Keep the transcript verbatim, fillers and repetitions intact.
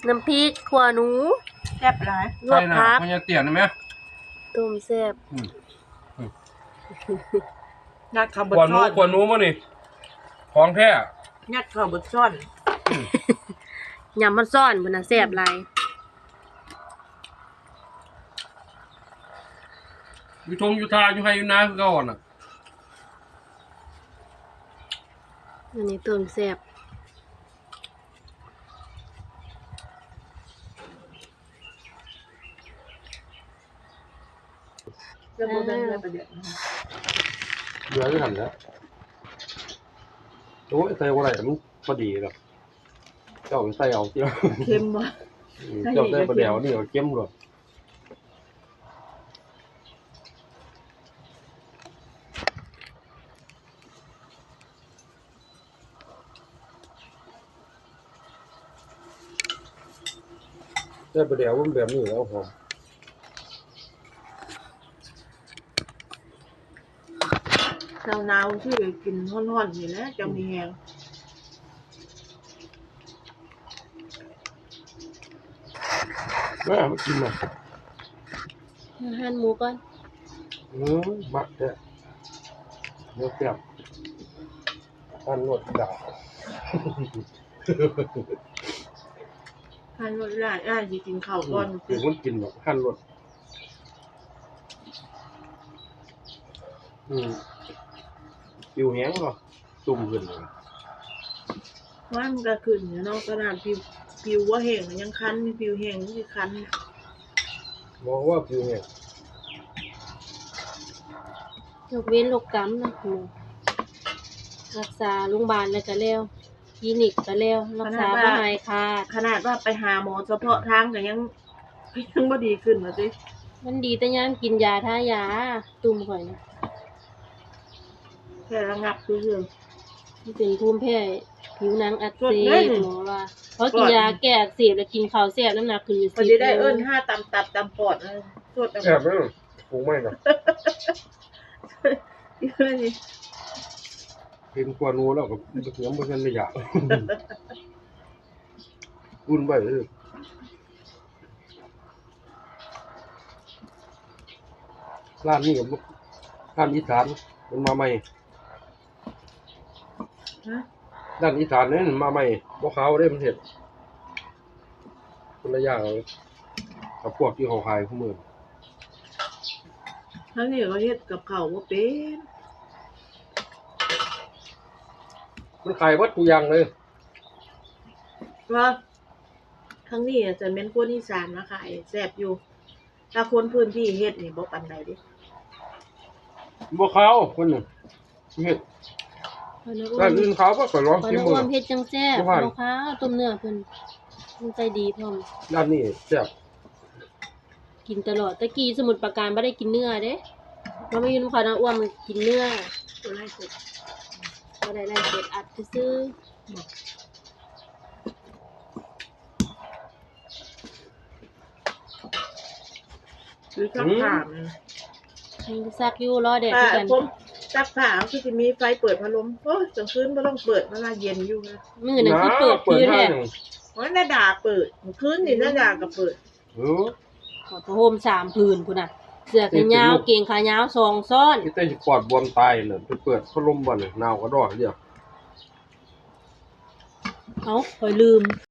น้ำพริกขัวหนูแซ่บหลายลวกผักมันจะเตี่ยนไหมต้มแซ่บงัดข้าวบดขวานูซ่อนขวานูมั้งนี่ของแท้งัดข้าวบดซ่อนยำมันซ่อนพุ่นน่ะแซ่บหลายอยู่ทงอยู่ทาอยู่ไฮอยู่นาคือเก่าน่ะอันนี้ต้มแซ่บเรื่องโบราณเรื่องประเดี๋ยวเดือดที่ทำแล้วโอ้ยใส่อะไรมันพอดีแบบเจ้าใส่เอาเจ้าเค็มว่ะเจ้าใส่ประเดี๋ยวนี่เอาเข้มเลยใส่ประเดี๋ยวมันแบบนี้แล้วหอมหนาวๆที่กินร้อนๆนี่แหละจะมีแห้งแม่มากินมาหั่นหมูก่อนเออมักแท้เนื้อแซ่บหั่นรสดาหั่นรสได้อ้ายสิกินข้าวก่อนเป็นคนกินแบบหั่นรสอืมปิวแห้งเหรอตุ่มขึ้นเลยว่ามันก็ขึ้นอยู่เนาะขนาดผิวผิวว่าแห้งยังคันมีผิวแห้งที่คันมองว่าปิวแห้งยกเว้นโรคกำนะหมูรักษาโรงพยาบาลแล้วก็แล้วคลินิกก็แล้วรักษาบ่หายขาดขนาดว่าไปหาหมอเฉพาะทางก็ยังยังบ่ดีขึ้นว่าติมันดีแต่ยามกินยาทายาตุ่มข่อยนะแค่ระงับคือมันเป็นภูมิแพ้ผิวหนังอักเสบหมอว่าเพราะกินยาแก้อักเสบแล้วกินข้าวแซ่บน้ำหนักขึ้นอยู่สิบพอดีได้เอิ้นห้าตำตับตำปอดเออสดแซ่บมั้ยปรุงไม่น่ะกินกว่านูแล้วก็ยังบ่ทันได้อยากอุ่นไว้เด้อร้านนี้ก็ร้านอีสานมันมาใหม่ฮะด้านอีสานนี่มาใหม่บ่ขาวเด้มันเฮ็ดคนละอย่างกับพวกที่เขาขายคู่มื้อทั้งนี้ก็เฮ็ดกับข้าวบ่เป็นมันขายวัตถุอย่างเลยว่าทั้งนี้จะแม่นคนอีสานมาขายแซ่บอยู่ถ้าคนพื้นที่เฮ็ดนี่บ่ปานใดเด้บ่ขาวคนนึงเฮ็ดร้านอื่นขาวบ่ก็ลองกินมื้อเฮ็ดจังแซ่บบ่ขาวต้มเนื้อเพิ่นเพิ่นใจดีพร้อมร้านนี้แซ่บกินตลอดตะกี้สมุทรปราการบ่ได้กินเนื้อเด้เราไม่อยู่นำเขานะอ้วนมันกินเนื้อตัวไล่สดบ่ได้ไล่สดอัดซื่อหรือซักผ้ามันซักอยู่รอแดดคือกันผมซักผ้าคือสิมีไฟเปิดพัดลมโอ้ยกลางคืนบ่ต้องเปิดเวลาเย็นอยู่นะมื้อนั้นคือเปิดคือแท้โอ้ยนาดาเปิดคืนนี่นาดาก็เปิดเออขอผ้าห่มสามผืนพุ่นน่ะเสื้อแขนยาวเกงขายาวสองซ้อนที่แต่สิปอดบวมตายน่ะไปเปิดพัดลมบ่น่ะหนาวก็ดอกเดียวเอ้าข่อยลืม